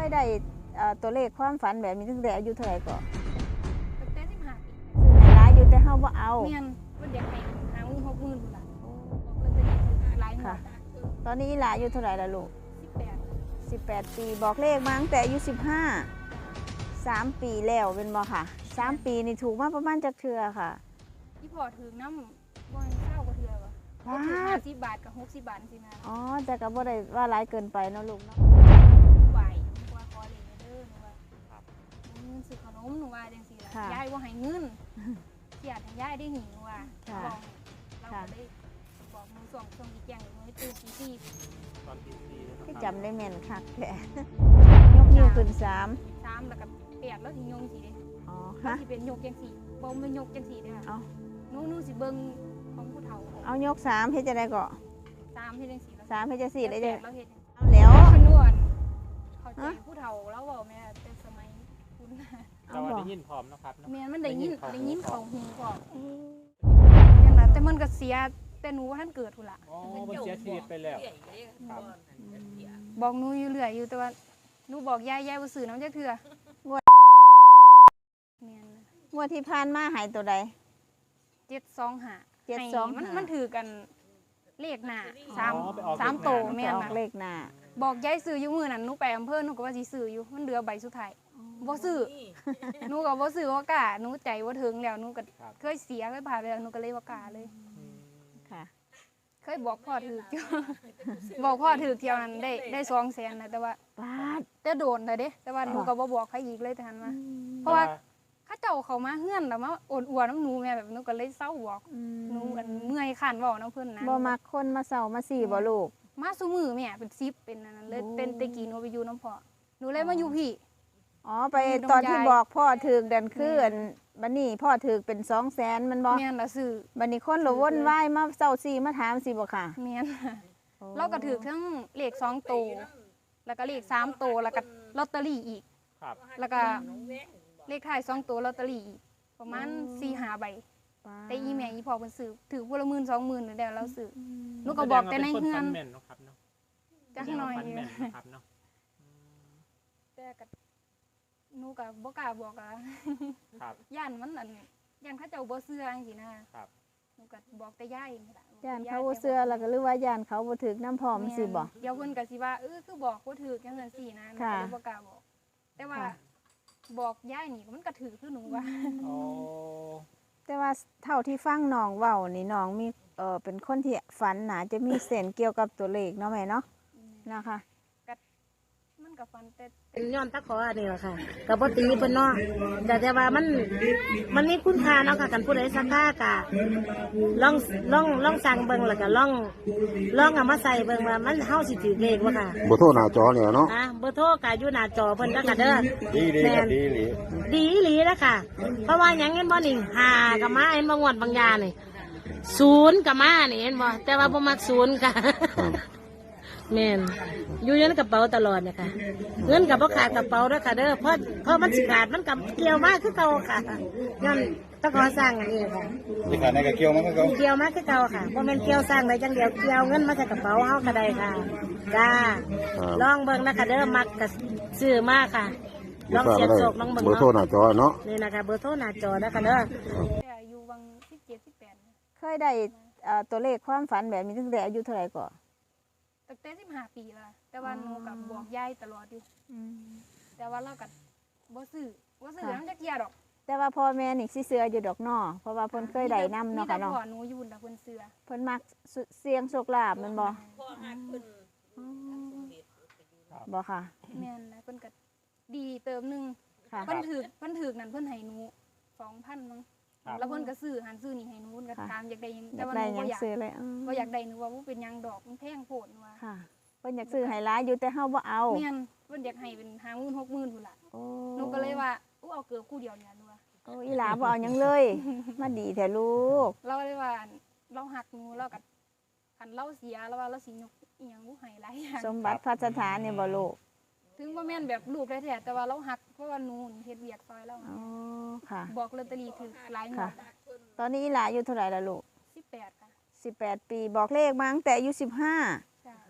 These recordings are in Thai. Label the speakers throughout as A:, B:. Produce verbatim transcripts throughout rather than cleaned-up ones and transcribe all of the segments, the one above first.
A: ยได้ตัวเลขความฝันแบบนี้ตั้งแต่อายุเท่าไหร่ก่อน
B: ตั้งแต่สิบห้าปี
A: ซื้อหลายอยู่แต่เฮาบ่เอา
B: เมียนมันอยากให้หาหมื่นหกหมื่นพุ่นล่ะบอกเลยจะหลายหมด
A: ตอนนี้หลานอายุเท่าไหร่ละลูก
B: สิบแปด
A: สิบแปดปีบอกเลขมาตั้งแต่อายุสิบห้า สามปีแล้วเป็นบ่ค่ะสามปีนี่ถูกมาประมาณจักเทื่อค่ะ
B: ที่พอถึงน้ำบ่เท่ากว่าเทื่อบ่บ่ถึงห้าสิบบาทกับหกสิบบาทสินะ
A: อ๋อแต่ก็บ่ได้ว่าหลายเกินไปเนาะลูกเนาะ
B: ไหวว่าขอเลยเด้อหนูว่าครับเงินซื้อขนมหนูว่าจังซี่ล่ะยายบ่ให้เงินเสียให้ยายได้หิวว่าบอกเราก็ได้บอกมือส่งส่งอีกอย่างมือตื่นตีสี่
C: ตอนตีสี่
A: ที่จำได้แม่นคักแท้ยกนิ้วขึ้นสาม
B: สามแล้วก็แปดแล้วสิยงสิเด้
A: อ๋อ
B: ฮะสิเป็นยกจังสี่บ่แม่นยกจังสี่เด้อค่ะหนูหนูสิเบิ่งของผู้เฒ่า
A: เอายกสามเฮ็ดจังได๋ก็
B: สามเฮ็ดจังสี่
A: สามเฮ็ดจังสี่ได้จัง
B: แล้วเฮ็ด
A: เอาแล้ว
B: คำนวณเข้าใจผู้เฒ่าแล้วเว้าแม่แต่สมัยคุณ
C: เราได้ยินพร้อมนะครับ
B: แม่มันได้ยินได้ยินของหูพร้อมนั่นล่ะแต่มันก็เสียแต่หนูว่าท่านเกิดพุ่นล่ะ
C: อ๋อมันเสียชีวิตไปแล้วครับ
B: บอกหนูอยู่เรื่อยอยู่แต่ว่าหนูบอกยายยายบ่ซื้อน้ำจักเทื่อแม่น
A: งวดที่ผ่านมาหายตัวใด
B: เจ็ดสองห้า
A: เจ็ดสองห้า
B: มันมันถือกันเลขหน้าสาม สามโตแม่นน่ะ
A: เลขหน้า
B: บอกยายซื้ออยู่มื้อนั้นหนูไปอำเภอหนูก็ว่าสิซื้ออยู่มันเหลือใบสุดท้ายบ่ซื้อหนูก็บ่ซื้อบ่กล้าหนูใจบ่ถึงแล้วหนูก็เคยเสียเคยผ่านไปแล้วหนูก็เลยบ่กล้าเลย
A: ค่ะ
B: เคยบอกพ่อถืออยู่บอกพ่อถือเที่ยวนั้นได้ได้สองแสนนะแต่ว่า
A: บาท
B: แต่โดนเลยเด้แต่ว่าหนูก็บ่บอกใครอีกเลยแต่หันมาเพราะว่าข้าเจ้าเขามาเฮือนแล้วมาโอนอวดน้ำหนูแม่แบบหนูก็เลยเศร้าบอกหนูอันเมื่อยขันบอกน้ำเพิ่นนะ
A: บ่มักคนมาเศร้ามาสี่บ่ลูก
B: มาซุมือแม่เป็นซิปเป็นอันนั้นเลยเป็นตะกี้หนูไปอยู่น้ำพ่อหนูเลยมาอยู่พี่
A: อ๋อไปตอนที่บอกพ่อถือดันคืออันบัดนี้พ่อถือเป็นสองแสนมันบ่
B: แม่นละซื้อ
A: บัดนี้คนละวนวายมาเศร้าสี่มาถามสิบ่ค่ะ
B: แม่นเราก็ถือทั้งเลขสองโตแล้วก็เลขสามโตแล้วก็ลอตเตอรี่อีกแล้วก็เลขท้ายสองตัวลอตเตอรี่อีกประมาณสี่ห้าใบแต่อีแม่อีพ่อเพิ่นซื้อถือพละหมื่นสองหมื่นเดี๋ยวเราซื้อหนูก็บอกแต่ในเฮือนจักหน่อยอยู่แต่ก็หนูก็บ่กล้าบอกอ่ะย่านมันอันย่านเขาเจ้าบ่เชื่อจังซี่นะครับหนูก็บอกแต่ยายนี่ล่ะ
A: ย่านเขาบ่เชื่อแล้วก็หรือว่าย่านเขาบ่ถึกน้ำพร้อมสิบ่
B: เดี๋ยวเพิ่นก็สิว่าเออคือบอกบ่ถูกจังซั่นสินะหนูก็บ่กล้าบอกแต่ว่าบอกยายนี่มันก็ถือคือหนูว่า
C: อ๋อ
A: แต่ว่าเท่าที่ฟังน้องเว้านี่น้องมีเอ่อเป็นคนที่ฝันน่าจะมีเส้นเกี่ยวกับตัวเลขเนาะแม่เนาะนะคะ
B: มันก็ฝันแต่
D: ย้อนตะขออันนี้แหละค่ะกับบ่ตีเพิ่นเนาะแต่แต่ว่ามันมันมีคุณค่าเนาะค่ะกันผู้ใดสักค่ากะลองลองลองสั่งเบิ่งแล้วก็ลองลองเอามาใส่เบิ่งว่ามันเฮาสิถือเลขบ่ค่ะ
E: เบอร์โทรหน้าจอเนี่ยเนาะ
D: อ่ะเบอร์โทรก็อยู่หน้าจอเพิ่นแล้วก็เด้อ
E: ดีดีดีหลี
D: ดีหลีแล้วค่ะเพราะว่าหยังเห็นบ่นี่ห้าก็มาเห็นบ่งวดบางยานี่ศูนย์ก็มานี่เห็นบ่แต่ว่าบ่มักศูนย์ค่ะแม่นอยู่ในกระเป๋าตลอดเนี่ยค่ะเงินกับพ่อขาดกระเป๋าด้วยค่ะเด้อเพราะเพราะมันสิขาดมันกับเกี่ยวมากคือเก่าค่ะย้อนต้องขอสร้างอันนี้ค่ะ
E: สิขาดในกระเกี่ยวมากคือเก่า
D: เกี่ยวมากคือเก่าค่ะเพราะมันเกี่ยวสร้างได้จังเดียวเกี่ยวเงินมาใส่กระเป๋าเฮาก็ได้ค่ะจ้าลองเบิ่งนะคะเด้อมักกับซื้อมากค่ะลองเสียบโศกลองเบิ่ง
E: เบอร์โทรหน้าจอเนาะ
D: นี่นะคะเบอร์โทรหน้าจอนะคะเด้อ
B: อายุวังสิบเจ็ด สิบแปด
A: เคยได้ตัวเลขความฝันแบบนี้ตั้งแต่อายุเท่าไหร่ก่อน
B: ตั้งแต่สิบห้าปีละแต่ว่าหนูกับบอกยายตลอดอยู่แต่ว่าเรากับบ่ซื้อบ่ซื้อน้ำจักเทียดอก
A: แต่ว่าพ่อแม่นี่สิเสืออยู่ดอกนอเพราะว่าเพิ่นเคยได้นำเนาะค่ะเนาะ
B: พ่อหนูอยู่แต่เพิ่นเสือ
A: เพิ่นมักเสียงโชคลาภแม่นบ่บ่ค่ะ
B: แม่นนะเพิ่นก็ดีเติมนึงเพิ่นถือเพิ่นถือนั่นเพิ่นให้หนู สองพัน มั้งแล้วเพิ่นก็ซื้อหันซื้อนี่ให้หนูเพิ่นก็ถามอยากได้ยังแต่ว่าหนูบ่อยากบ่อยากได้หนูว่าบ่เป็นหยังดอกมันแพงโพดว่า
A: ค่ะเพิ่นอยากซื้อให้หลายอยู่แต่เฮาบ่เอา
B: แม่นเพิ่นอยากให้เป็นห้าหมื่น หกหมื่นพุ่นล่ะหนูก็เลยว่าอู้เอาเกือบคู่เดียวเนี่ยหนูว่า
A: โอ้อีหลาบ่เอาหยังเลยมาดีแท้ลูก
B: เราเลยว่าเราหักหนูแล้วก็คันเราเสียแล้วว่าเราสิยกอีหยังบ่ให้หลายอย่าง
A: สมบัติพัสถานนี่บ่ลูก
B: ถึงบ่แม่นแบบลูกแท้ๆแต่ว่าเราหักเพราะว่าหนูเฮ็ดเวียกซอยเรา
A: อ๋อค่ะ
B: บอกลอตเตอรี่ถูกหลายงวด
A: ตอนนี้อีหลาอายุเท่าไหร่ล่ะลูก
B: สิบแปดค่ะ
A: สิบแปดปีบอกเลขมาตั้งแต่อายุสิบห้า
B: จ้ะ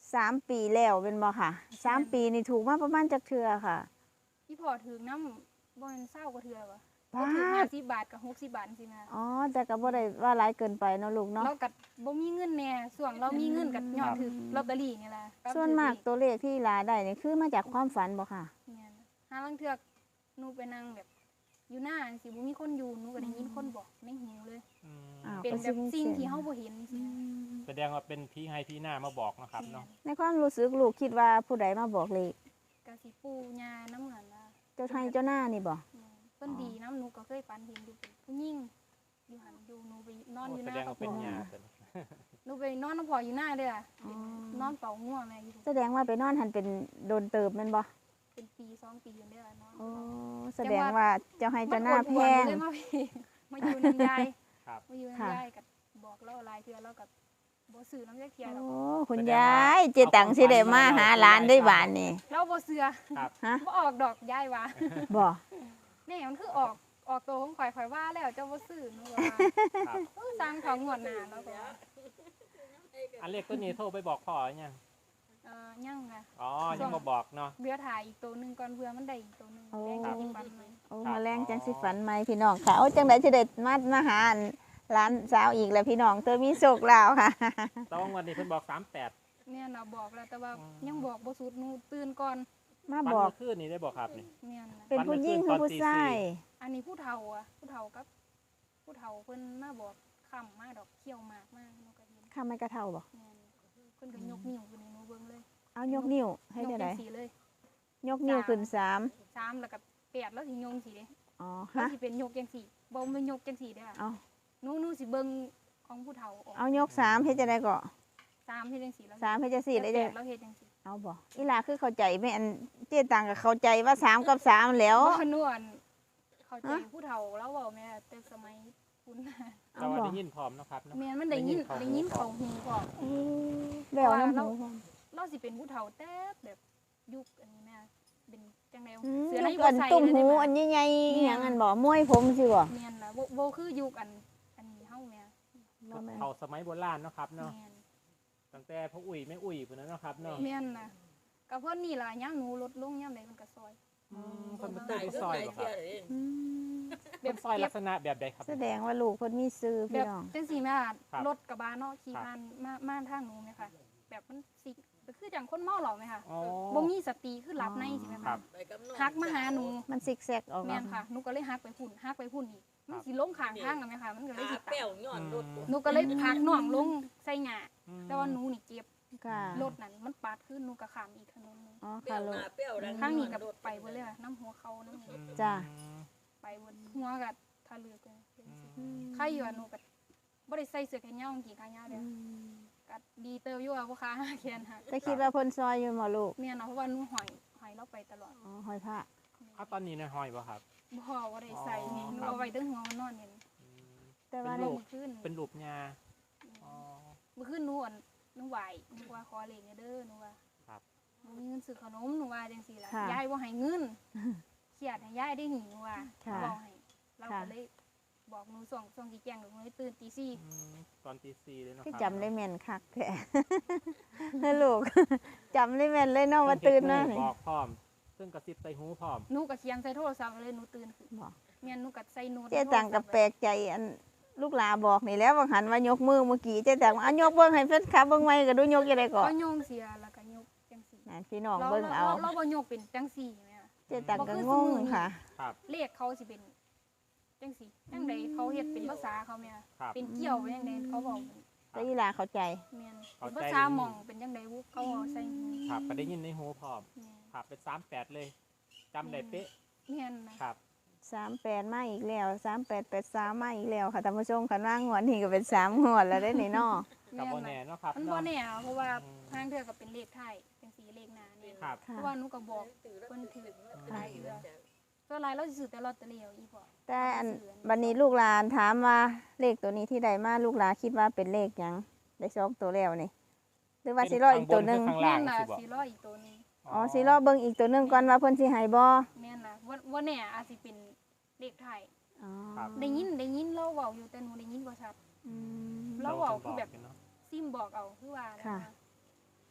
A: สามปีแล้วเป็นบ่ค่ะสามปีนี่ถูกมาประมาณจักเทื่อค่ะ
B: พี่พอถึงน้ำบ่แม่นเศร้ากว่าเทื่อวะ
A: บา
B: ก็ถึง
A: ท
B: ห้าสิบบาทกับหกสิบบาทสินะ
A: อ๋อแต่ก็บ่ได้ว่าหลายเกินไปเนาะลูกเนาะ
B: เรากับ่มีเงินแน่ส่วนเรามีเงินกับยอดถือลอตเตอรี่นี่แหละ
A: ส่วนมากตัวเลขที่หลาได้นี่คือมาจากความฝันบ่ค่ะ
B: เนี่ยหาลังเทือกหนูไปนั่งแบบอยู่หน้าสิบ่มีคนอยู่หนูก็ได้ยินคนบอกในหูเลย
C: อืม
A: อ้าว
B: เป็นแบบสิ่งที่เฮาบ่เห็นสินะ
C: แสดงว่าเป็นพี่ให้พี่หน้ามาบอกนะครับเนาะ
A: ในความรู้สึกลูกคิดว่าผู้ใดมาบอกเลข
B: กะสิปู่ย่าน้ำเหมือนว่า
A: เจ้าไทยเจ้าหน้านี่บ่
B: เนี่ยเพิ่นดีน้ำหนูก็เคยฝันเห็นอยู่เป็นผู้หญิงอยู่หันอยู่หนูไปนอน
C: โอ้
B: อยู่ห
C: แส
B: น้า
C: ดง
B: กับ
C: ว่าเป็น
B: พ่อ
C: ยาเป็น
B: หนูไปนอนน้ำพ่ออยู่หน้าเด้อ
A: อ๋อ
B: นอนเป่าง่วงแม่อยู่
A: แสดงว่าไปนอนหันเป็นโดนเติบแม่นบ่
B: เป็นปีสองปีอยู่เด้อนอน
A: โอ้แสดงว่าเจ้าให้เจ้าหน้าแพง
B: เลยมาพี่ มาอยู่น้ำยาย
C: ครับ
B: มาอยู่
A: ค่ะ
B: น้ำยายกับบอกเล่าหลายเทื่อแล้วกับบ่ซื้อน้ำยายเทียหรอก
A: โอ้คุณยายเจตังสิได้มาหาหลานได้บานนี่
B: เราบ่เสือ
C: ครับ
A: ฮะ
B: บ่ออกดอกยายว่า
A: บ่
B: แนี่มันคือออกออกตัวของข่อยข่อยว่าแล้วเจ้าบ่ซื้อหนูว่า
C: ครับ
B: เออสร้างของงวดหน้าแล้วก็ว่า
C: อันเลขตัวนี้โทรไปบอกพ่อหรือยัง
B: เอ่อยังค่ะ
C: อ๋อยังมาบอกเนาะ
B: เรือถ่ายอีกตัวหนึงก่อนเพื่อมันได้อีกตัวหนึงแดงจะกินปันไหม
A: โอ้
C: ครับ
A: มาแรงจังสิฝันไหมพี่น้องค่ะโอ้จังไดสิได้มามาหาอันหลานสาวอีกแล้วพี่น้องเธอมีโชคลาวค่ะ
C: แตองวันนี้เพิ่นบอกสามแปด
B: เนี่ยน่ะบอกแล้วแต่ว่า
C: อืม
B: ยังบอกบ่สุดหนูตื่นก่อน
A: มา
C: วัน
A: บอก
C: เมื่อคืนนี้ได้บอกครับนี่
B: เนี่ยนะ
A: เป็นผู้หญิงคือผู้ชาย
B: อันนี้ผู้เฒ่าอ่ะผู้เฒ่ากับ ผู้เฒ่าเพิ่นมาบอกคำมาดอกเขี้ยวหมากมากหนูก็เห็น
A: ข้าไม่กระเท่าบ่
B: เนี่ยเพิ่นก็ยกนิ้วขึ้นให้หนูเบิ่งเลย
A: เอายกนิ้วให้
B: ยก
A: ได้
B: จั
A: ได
B: งสีเลย
A: ยกนิ้วขึ้นสาม
B: สามแล้วก็แปดแล้วสิยงสีเด้
A: อ๋อ
B: แล้ว
A: ฮะ
B: สิเป็นยกจังสีบ่แม่นยกจังสีเด้อ
A: เอา
B: หนูหนูสิเบิ่งของผู้เฒ่าออก
A: เอายกสามเฮ็ดจะได้ก็
B: สามเฮ็ดจังสีแล้ว
A: สามเฮ็ดจะสี่ได้
B: แป
A: จะ
B: ดแล้วเฮ็ดจังสี
A: เอาบ่อีหลาคือเข้าใจแม่อันเจ๊ตังก็เข้าใจว่าสามกับสามแล้ว
B: บ่นวลเข้าใจ
A: ฮะ
B: ผู้เฒ่าแล้วเว้าแม่แต่สมัยคุณ
C: แต่ว่าได้ยินพร้อมเนาะครับเนาะ
B: แม่นมันได้ยินได้ยินเข้าหูพร้อม
A: แล้วน้ำ
B: เรา
A: หู
B: เราสิเป็นผู้เฒ่าแต่แบบยุคอันนี้แม่เป็นจังได๋
A: อืม
B: เสือใน
A: ยก
B: บ่
A: อัน
B: ใส่
A: ตุ่ม
B: เลย
A: หู
B: ได้
A: อัน
B: ไหม
A: ใหญ่ๆอหย่างอันบ่มวยผมสิบ่
B: แม่นนะบ่บ่คือยุคอันอันนี้เฮาแม่
A: บ่แม่น
C: เขาสมัยโบราณเนาะครับเนาะ
B: แม่น
C: ตั้งแต่พ่ออุ้ยแม่อุ้ยพุ่นนะเนาะครับเนาะ
B: แม่นนะก็เพิ่นนี่ล่ะยามหนูลดลงยามใดเพิ่นก็ซอย
C: อืมเพิ่นเป็นตู้ซอยบ่ครับ
A: อืม
C: เป็นซอยลักษณะแบบใดครับ
A: แสดงว่าลูกเพิ่นมีซื้อ
B: แบ
A: พี่
B: บ
A: น้อง
B: จังซี่แม่
C: ครับ
B: รถกระบะเนาะขี่
C: ครับ
B: ผ่านมามาทางหนูแม่ค่ะ แบบมันสิก็คือจังคนเมาเหล้าแม่ค่ะ
C: อ๋อ
B: บ่มีสติคือหลับในสิแม่
C: ครั
B: ค่ะ
C: บ
B: ฮักมาหาหนู
A: มันซิกแซกออก
B: แม่
A: เนาะ
B: นค่ะหนูก็เลยฮักไปพุ่นฮักไปพุ่นอีกมันสิลงข้างทางอะแม่ค่ะมันก็เลยสิตาย
C: อืม
B: หนูก็เลยพักน้องลงใส่หญ้า
C: อืม
B: แต่ว่าหนูนี่เจ็บ
A: ค่ะ
B: รถนั่นมันปาดขึ้นหนูก็ข้ามอีกถนนหนึง
A: อ๋อค่ะลูก
B: ข้างนี้กับไปเบนเลยอะน้ำหัวเขาน้ำหัว
A: จ้ะ
B: ไปเบนหัวกับทะลึกเลย
C: อืม
B: ใครอยู่อะหนูกับบ่ได้ใส่เสื้อแขนยาวกางเกงขายาวเด้อกัดดีเติบอยู่อะพ่อค้าแขนหัก
A: แต่คิดว่าเพิ่นซอยอยู่บ่ลูก
B: เมียเนาะเพราะว่าหนูหอยหอยเราไปตลอด
A: อ๋อหอยพระ
C: เอาตอนนี้ในห้อยบ่ครับ
B: บ่ว่าได้ใส่
C: อ๋อ
B: หนู
C: ครับ
B: เอาไว้ตั้งหัวมันนอนเนี่ย
C: อืม
A: แต่
C: เป็
A: ว่าน
C: ลู
A: ลู
C: ก
A: ก
B: เมื่อคืน
C: เป็นรูปยาอ๋อ
B: เมื่อคืนหนูอ่ะหนูไหวหนูว่าขอเลขเด้อหนูว่า
C: ครับ
B: หนูมีเงินซื้อขนมหนูว่าจังซี่ล่ะ
A: ค่ะ
B: ยายบ่ให้เงินเครียดให้ยายได้หนีหนูว่า
A: ค่ะ
B: บอกให้เรา
A: ค่ะ
B: ก็เลยบอกหนูส่งส่งกี่แจ้งหนูเลยตื่นตีสี่
C: อืมตอนตีสี่เลยเนาะ
A: คือ
C: ครับ
A: จำได้แม่นคักแท้ นะลูก จำได้แม่นเลยเนาะว่าตื่นเนาะ
C: เพิ่
A: นี่
C: บอกพร้อม ซึ่งกระซิบใส่หูพร้อม
B: หนูก็เขียนใส่โทรศัพท์เลยหนูตื่นขึ้น
A: บอก
B: เมียนหนูก็ใส่โน้ต
A: เจ๊ตังกับแปลกใจอันลูกหลาบอกนี่แล้วว่าหันว่ายกมือเมื่อกี้เจ๊ตังว่าอ่ะยกเบิ่งให้เพิ่นขับเบิ่งไว้ก็ดูยกยังไงก่อ
B: ก็
A: น
B: โยงเสียแล้วก็ยกจังสี่
A: นั่นพี่น้อง
B: เรา
A: เบิ่งเอา
B: เราบ่ยกเป็นจังสี่แม่
A: เจ๊ตังก็งงค่ะ
C: ครับ
B: เลขเขาสิเป็นจังสี่จังใดเขาเฮ็ดเป็นภาษาเขาแม่
C: ครับ
B: เป็นเกี่ยวเป็นจังใดเขาบอก
A: แต่ยีหลาเข้าใจ
B: แม่น
C: เข้าใจ
B: ภาษาหม่องเป็นจังใดวุเขาเอาใส่หู
C: ครับก็ได้ยินในหูพร้อม
B: แม่น
C: ครับเป็นสามแปดเลยจำได้เป๊ะ
B: แม่นนะครับ
A: สามแปดมาอีกแล้วสามแปดแปดสามมาอีกแล้วค่ะท่านผู้ชมคันว่างวดนี้ก็เป็นสามงวดแล้วได้นี่เนาะ
C: กับโบ
B: แม่
C: แน่
B: นนะ
C: เนาะครับ
B: มัน
C: เนาะ
B: บ่แน่อะเพราะว่า
C: อืม
B: ทางเทื่อก็เป็นเลขไทยจังสี่เลขหน้านี่
C: ครับ
B: เพราะว่าหนูก็บอกเพิ่นถือหลายเทื่อตัวหลายเราสิซื้อแต่ลอตเตอรี่เอาอีพอ
A: แต่อันบัดนี้ลูกหลานถามว่าเลขตัวนี้ที่ใดมาลูกหลานคิดว่าเป็นเลขหยังได้สองตัวแล้วนี่หรือว่าสิรออีกตัวหนึง
C: ข้าง
B: แม่
C: ล่าง
B: นน่ะ
C: สิบอก
B: สิรออีกตัวหนึง
A: อ๋อสิรอเบิ่งอีกตัวหนึงก่อนว่าเพิ่นสิให้บ่
B: แม่นน่ะว่าว่าแน่อาจสิเป็นเลขไทย
A: อ๋อ
C: ครับ
B: ได้ยินได้ยินเราเว้าอยู่แต่หนูได้ยินบ่ชัด
A: อืม
B: เราเว้าคือแบบ
C: เนาะ
B: ซิมบอกเอาคือว่าอะไร
A: ค่ะ
B: น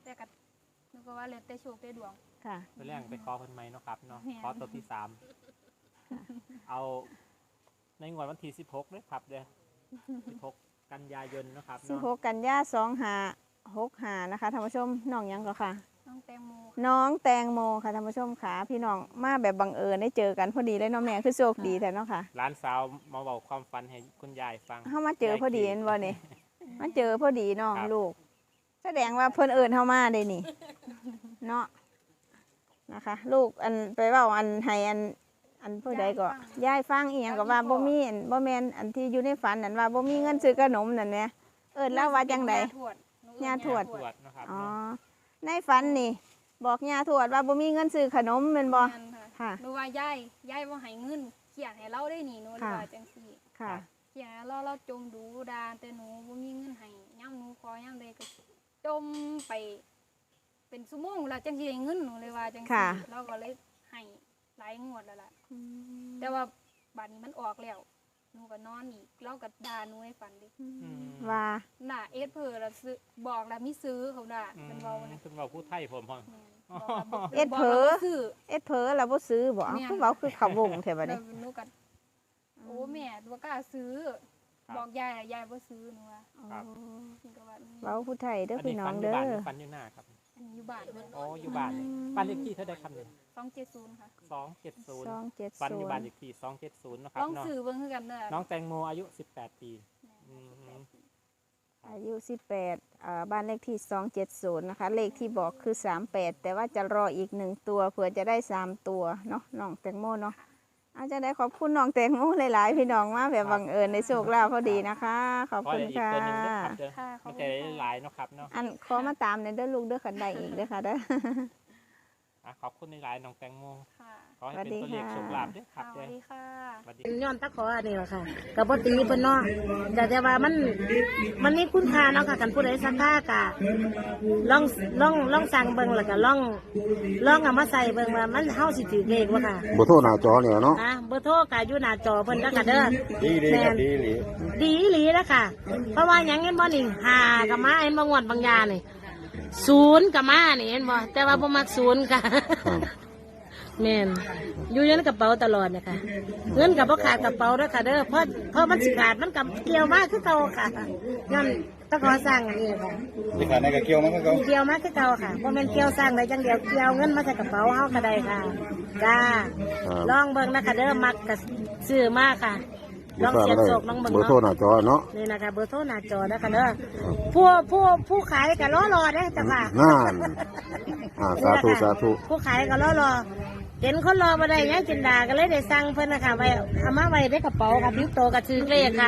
B: แต่ก็นึกว่าแล้วแต่โชคแต่ดวง
A: ค่ะ
C: ไปเรื่องไปขอคนใหม่เนาะครับเนาะ
B: แม่น
C: ขอตัวที่สามเอาในงวดวันที่สิบหกเลยครับเด้อสิบหกกันยายนเนาะครับ
A: สิบ
C: เนาะ
A: หกกันยาสองห้าหกห้านะคะท่านผู้ชมน้องหยังก็ค่ะ
B: น้องแตงโม
A: น้องแตงโมค่ะท่านผู้ชมค่ะพี่น้องมาแบบบังเอิญได้เจอกันพอดีเลยเน้องแม่คือโชคดีแต่เนาะค่ะ
C: ร้านสาวมาบอกความฝันให้คุณยายฟัง
A: เฮามาเจอพอดีเห็นบ่นี่มาเจอพอดีเนาะ
C: ครับ
A: ลูก แสดงว่าเพิ่นเอิญเฮามาได้นี่ เนาะนะคะ ลูกอันไปเว้าอันให้อันอันผู้ใดก็ยายฟังอีหยังก็ว่าบ่มีอันบ่แม่นอันที่อยู่ในฝันนั่นว่าบ่มีเงินซื้อขนมนั่นแหละเอิ้นแล้วว่าจังได
B: ย่าทวดหนูเอิ้น
A: ย่าทวด
C: ตรวจเนาะครับ
A: อ๋อ
C: เนาะ
A: ในฝันนี่ บอกย่าทวดว่าบ่มีเงินซื้อขนมแม่นบ่
B: แม่นค่ะ
A: ค่ะ
B: หนูว่ายายยายบ่ให้เงินเขียนให้เราได้นี่หนูเลย
A: ค่ะ
B: ว่าจังซี่
A: ค่ะ
B: เขียนให้เราเราจมดูดานแต่หนูบ่มีเงินให้ย่ำหนูขอย่ำใดก็จมไป เป็นชั่วโมงแล้วจังสิได้เงินหนูเลยว่าจัง
A: ค่ะ
B: ซี่เราก็เลยให้หลายงวดแล้วล่ะ แต่ว่าบัดนี้มันออกแล้วหนูก็นอนอีกเราก็ด่าหนูให้ฟันดิ
C: อืม
A: ว่า
B: น่ะเอสเพอแล้วซื้อบอกแล้วมีซื้อเขาด่า
C: อืม
B: เป็นเว้านะ
C: เป็นเว้าผู้ไทยผมพ่อ
B: แม่นบอกว่าบ่
A: เอ็ดเผลอ
B: บอกว่าบ่ซื้อ
A: เอ็ดเผลอแล้วบ่ซื้อบ่
B: แม่น
A: คือเว้าคือเขาวงแท้บัด
B: แล้
A: นี้
B: วหนูก็โอ้แม่บ่กล้าซื้อ บอกยายอะยายบ่ซื้อหนูว่า
C: ครับ
B: หนูก็ว่าอืม
A: เว้าผู้ไทยเด้อ
C: อัน
A: พี่
C: นี้
A: น้อ
C: ฟั
A: ง
C: นอยู่
A: เด้อ
C: บ้านหรือฟันอยู่หน้าครับ
B: อันนี้อยู่บ้านเพิ่น
C: อ๋ออยู่บ้านเลยบ้านเลขที่เท่าใดครับเนี่ย
B: สองเจ็ดศูนย์ค่ะ
C: สองเจ็ดศูนย์
A: สองเจ็ด
C: ฟันอ
A: ศู
C: ยู่
A: น
C: บ้าน
A: ย์
C: เลขที่สองเจ็ดศูนย์นาะครั
B: ล
C: บ
B: อง
C: เนาะ
B: ซื้อเบิ่งคือกันเด้อ
C: น้องแตงโมอายุสิบแปดปี อืม
A: อายุสิบแปดอ่าบ้านเลขที่สองเจ็ดศูนย์นะคะ เลขที่บอกคือสามแปดแต่ว่าจะรออีกหนึ่งตัวเผื่อจะได้สามตัวเนาะน้องแตงโมเนาะอาจจะได้ขอบคุณน้องแตงโมหลายๆพี่น้องมาแบบบังเอิญในโชคลาภพอดีนะคะ ขอบ
C: ขอ
A: คุณ
C: อีก
A: ค่ะ
C: ตัวหนึ่งด้วยครับเด้อ
B: ค่ะขอ
C: ไม่
B: บ
C: ใช่
B: คุณ
C: หลายๆเนาะครับเนาะ
A: อันขอมาตามในเด้อลูกเด้อขันใดอีกเด้อค่ะเด้อ
C: อ่ะขอบคุณหลายๆน้องแตงโม
B: ค่ะ
C: ขอให้เป็นตัวเลข
A: สวัสดีค่ะ
C: โชคลาภด้วยค
B: ค่ะ
C: รับ
B: ส
C: เด้
B: วั
C: อ
B: สดีค่ะ
C: สวัสดี
D: ย้อนตะขออันนี้แหละค่ะกับปตีเพิ่นเนาะแต่แต่ว่ามันมันมีคุณค่าเนาะค่ะกันผู้ใดสักค่ากะลองลองลองสั่งเบิ่งแล้วก็ลองลองเอามาใส่เบิ่งว่ามันเฮาสิถือเลขบ่ค่ะ
E: บ่โทษหน้าจอเนี่ยเนาะ
D: นะเบอร์โทรก็อยู่หน้าจอเพิ่นแล้วก็เด้อ
E: ดีดีครับดีหลี
D: ดีอีหลีแล้วค่ะ เพราะว่าหยังเห็นบ่นี่หากับมาเห็นบ่งวดบางยานี่ศูนย์กับมานี่เห็นบ่แต่ว่าบ่มักศูนย์ค่ะ
E: ครับ
D: แม่นอยู่ในกระเป๋าตลอดนะคะเงินกับพ่ขาดกระเป๋าด้วยค่ะเด้อเพราะเพราะมันสิขาดมันกับเกี่ยวมากคือเก่าค่ะงั้นต้องขอสร้างอันนี้ค่ะ
E: ที่ขาดในกระเกี่ยวมันก็เขา
D: เกี่ยวมากคือเก่าค่ะเพราะมันเกี่ยวสร้างได้จังเดียวเกี่ยวเงินมาใส่กระเป๋าเฮาก็ได้ค่ะจ้า
E: ครับ
D: ลองเบิ่งนะคะเด้อมักกับซื้อมากค่ะลองเสียบโศกลองเบิ่ง
E: เบอร์โทรห
D: เนาะ
E: น้าจอเนาะ
D: นี่นะคะเบอร์โทรหน้าจอนะคะเด้อผู้ผู้ผู้ขายก็รอรอเด้อจ้ะค่ะ
E: นั่นอ่าสาธุสาธุ
D: ผู้ขายก็รอรอเห็นคนรอมาได้ยังจินดาก็เลยได้สั่งเพิ่นนะคะไว้เอามาไว้ในกระเป๋าค่ะพิ้วโตกับซื้อเลขค่ะ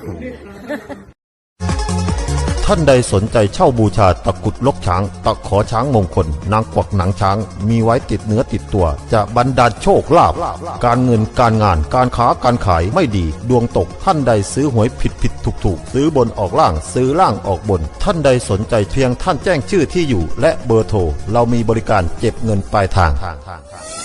F: ท่านใดสนใจเช่าบูชาตะกรุดลกช้าง ตะขอช้างมงคล นางกวักหนังช้าง มีไว้ติดเนื้อติดตัว จะบรรดาลโชคลาภการเงินการงานการค้าการขายไม่ดี ดวงตกท่านใดซื้อหวยผิดผิดถูกถูกซื้อบนออกล่างซื้อล่างออกบน ท่านใดสนใจเพียงท่านแจ้งชื่อที่อยู่ และเบอร์โทรเรามีบริการเก็บเงินปลายทาง